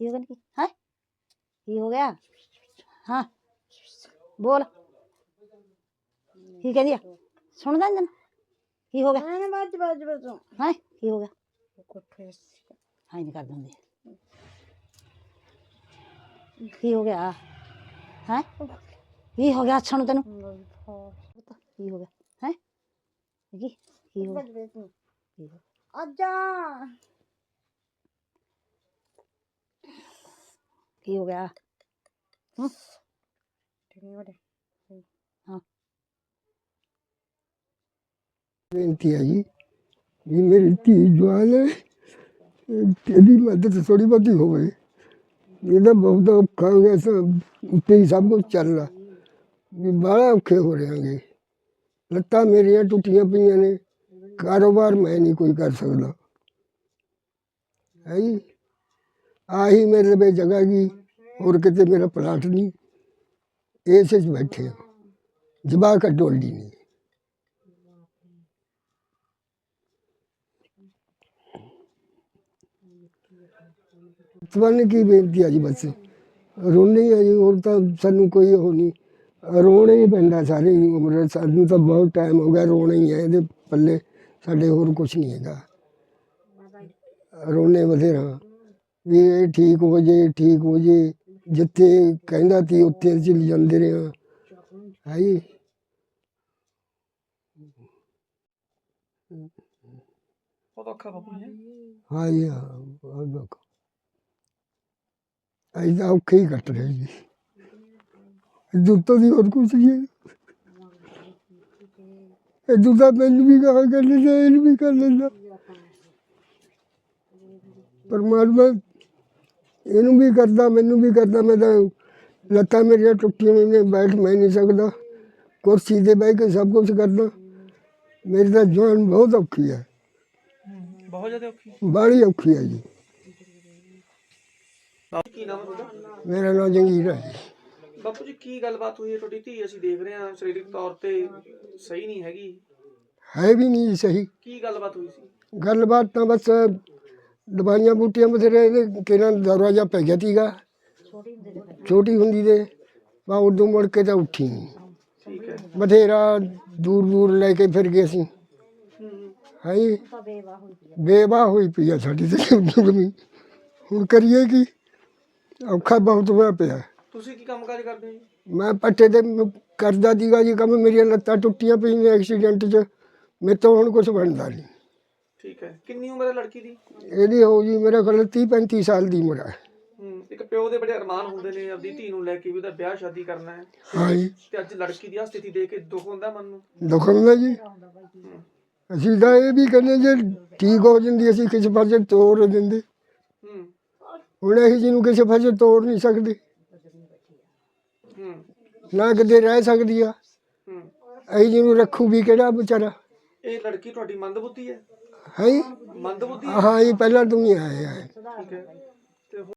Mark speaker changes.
Speaker 1: ਕੀ ਹੋ ਗਿਆ ਕੀ ਹੈ ਕੀ ਹੋ ਗਿਆ ਹਾਂ ਬੋਲ ਕੀ ਕਹਿੰਦੀ ਆ ਸੁਣਦਾ ਨੀ ਕੀ ਹੋ ਗਿਆ ਹੈ ਕੀ ਹੋ ਗਿਆ ਹਾਂ ਨਹੀਂ ਕਰ ਦਿੰਦੇ ਕੀ ਹੋ ਗਿਆ ਹੈ ਕੀ ਹੋ ਗਿਆ ਅੱਛਾ ਨੂੰ ਤੈਨੂੰ ਕੀ ਹੋ ਗਿਆ ਹੈ ਕੀ ਹੋ ਗਿਆ
Speaker 2: आजा
Speaker 1: ਕੀ ਹੋ ਗਿਆ हाँ
Speaker 3: बेनती है जी भी मेरी धी जवान है तेरी मदद थोड़ी बहुती हो गई ये तो बहुत औखा हो गया सब उत्ते ही सब कुछ चल रहा भी बड़ा औखे हो रहे हैं लत्तां मेरियां टुटियां पईयां ने कारोबार मैं नहीं कोई कर सकता है जी आही मेरे पे जगह की और किते मेरा प्लाट नहीं इस बैठे जवाक डोली नहीं ਤੁਹਾਨੂੰ ਕੀ ਬੇਨਤੀ ਆ ਜੀ ਬਸ ਰੋਣੀ ਆ ਜੀ ਹੋਰ ਤਾਂ ਸਾਨੂੰ ਕੋਈ ਉਹ ਨਹੀਂ ਰੋਣਾ ਹੀ ਪੈਂਦਾ ਸਾਰੀ ਉਮਰ ਸਾਨੂੰ ਤਾਂ ਬਹੁਤ ਟਾਈਮ ਹੋ ਗਿਆ ਰੋਣਾ ਹੀ ਹੈ ਇਹਦੇ ਪੱਲੇ ਸਾਡੇ ਹੋਰ ਕੁਛ ਨਹੀਂ ਹੈਗਾ ਰੋਣੇ ਬਥੇਰਾ ਵੀ ਇਹ ਠੀਕ ਹੋ ਜੇ ਜਿੱਥੇ ਕਹਿੰਦਾ ਤੀ ਉੱਥੇ ਚਲ ਜਾਂਦੇ ਰਹੇ ਹਾਂ ਜੀ
Speaker 4: ਬਹੁਤ ਔਖਾ ਬਾਪੂ ਜੀ
Speaker 3: ਹਾਂ ਜੀ ਹਾਂ ਬਹੁਤ ਔਖਾ ਅਸੀਂ ਤਾਂ ਔਖੇ ਹੀ ਕੱਟ ਰਹੇ ਜੀ ਦੁੱਤੋਂ ਦੀ ਹੋਰ ਕੁਛ ਨਹੀਂ ਇਹ ਦੁੱਤਾ ਮੈਨੂੰ ਵੀ ਕਹਾ ਕਰ ਲੈਂਦਾ ਇਹਨੂੰ ਵੀ ਕਰ ਲੈਂਦਾ ਪਰਮਾਤਮਾ ਇਹਨੂੰ ਵੀ ਕਰਦਾ ਮੈਨੂੰ ਵੀ ਕਰਦਾ ਮੈਂ ਤਾਂ ਲੱਤਾਂ ਮੇਰੀਆਂ ਟੁੱਟੀਆਂ ਨੇ ਬੈਠ ਮੈਂ ਨਹੀਂ ਸਕਦਾ ਕੁਰਸੀ 'ਤੇ ਬਹਿ ਕੇ ਸਭ ਕੁਛ ਕਰਦਾ ਮੇਰੀ ਤਾਂ ਜਾਨ ਬਹੁਤ ਔਖੀ ਹੈ
Speaker 4: ਬਹੁਤ ਜ਼ਿਆਦਾ ਔਖੀ
Speaker 3: ਬਾਹਲੀ ਔਖੀ ਹੈ ਜੀ
Speaker 4: ਕੀ ਨਾਮ ਹੈ ਤੁਹਾਡਾ
Speaker 3: ਮੇਰਾ ਨਾਮ ਜੰਗੀਰ ਹੈ
Speaker 4: ਬਾਪੂ ਜੀ ਕੀ ਗੱਲਬਾਤ ਹੋਈ ਹੈ ਤੁਹਾਡੀ ਧੀ ਅਸੀਂ ਦੇਖ ਰਹੇ ਹਾਂ ਸਰੀਰਕ ਤੌਰ ਤੇ ਸਹੀ ਨਹੀਂ ਹੈਗੀ
Speaker 3: ਹੈ ਵੀ ਨਹੀਂ ਸਹੀ
Speaker 4: ਕੀ ਗੱਲਬਾਤ ਹੋਈ ਸੀ
Speaker 3: ਗੱਲਬਾਤ ਤਾਂ ਬਸ ਦਵਾਈਆਂ ਬੂਟੀਆਂ ਬਥੇਰੇ ਕਿਹਨਾਂ ਦਰਵਾਜ਼ਾ ਪੈ ਗਿਆ ਸੀਗਾ ਛੋਟੀ ਹੁੰਦੀ ਦੇ ਬਾ ਉਦੋਂ ਮੁੜ ਕੇ ਤਾਂ ਉੱਠੀ ਨਹੀਂ
Speaker 4: ਠੀਕ ਹੈ
Speaker 3: ਬਥੇਰਾ ਦੂਰ ਲੈ ਕੇ ਫਿਰ ਗਏ ਅਸੀਂ ਹੈ ਜੀ ਬੇਵਾਹ ਹੋਈ ਪਈ ਆ ਸਾਡੀ ਤੇ ਹੁਣ ਕਰੀਏ ਕੀ ਔਖਾ ਬਹੁਤ ਹੋਇਆ ਪਿਆ
Speaker 4: ਤੁਸੀਂ ਕੀ ਕੰਮਕਾਜ ਕਰਦੇ ਹੋ ਜੀ
Speaker 3: ਮੈਂ ਪੱਠੇ ਤੇ ਕਰਦਾ ਸੀਗਾ ਜੀ ਕੰਮ ਮੇਰੀਆਂ ਲੱਤਾਂ ਟੁੱਟੀਆਂ ਪਈਆਂ ਐਕਸੀਡੈਂਟ 'ਚ ਮੇਰੇ ਤੋਂ ਹੁਣ ਕੁਛ ਬਣਦਾ ਨਹੀਂ
Speaker 4: ਠੀਕ ਹੈ ਕਿੰਨੀ ਉਮਰ ਹੈ ਲੜਕੀ ਦੀ
Speaker 3: ਇਹਦੀ ਹੋ ਜੀ ਮੇਰੇ ਕੋਲ 30-35 ਸਾਲ ਦੀ ਉਮਰ ਹੈ
Speaker 4: ਇੱਕ ਪਿਓ ਦੇ ਬੜੇ ਅਰਮਾਨ ਹੁੰਦੇ ਨੇ ਆਪਣੀ ਧੀ ਨੂੰ ਲੈ ਕੇ ਵੀ ਉਹਦਾ ਵਿਆਹ ਸ਼ਾਦੀ ਕਰਨਾ ਹੈ
Speaker 3: ਹਾਂ ਜੀ
Speaker 4: ਤੇ ਅੱਜ ਲੜਕੀ ਦੀ ਆ ਸਥਿਤੀ ਦੇਖ ਕੇ ਦੁੱਖ ਹੁੰਦਾ ਮਨ ਨੂੰ
Speaker 3: ਦੁੱਖ ਹੁੰਦਾ ਜੀ ਅਸੀਂ ਤਾਂ ਇਹ ਵੀ ਕਹਿੰਦੇ ਜੇ ਠੀਕ ਹੋ ਜਾਂਦੀ ਅਸੀਂ ਕਿਸੇ ਪਾਸੇ ਤੋੜ ਦਿੰਦੇ ਹੁਣ ਅਸੀਂ ਜਿਹਨੂੰ ਕਿਸੇ ਪਾਸੇ ਤੋੜ ਨਹੀਂ ਸਕਦੇ ਨਾ ਕਿਤੇ ਰਹਿ ਸਕਦੀ ਆ ਅਸੀਂ ਜਿਹਨੂੰ ਰੱਖੂ ਵੀ ਕਿਹੜਾ ਵਿਚਾਰਾ
Speaker 4: ਇਹ ਲੜਕੀ ਤੁਹਾਡੀ ਮੰਦਬੁੱਧੀ ਹੈ
Speaker 3: ਹੈ
Speaker 4: ਮੰਦਬੁੱਧੀ
Speaker 3: ਹਾਂ ਜੀ ਪਹਿਲਾਂ ਤੂੰ ਹੀ ਆਇਆ
Speaker 4: ਠੀਕ ਹੈ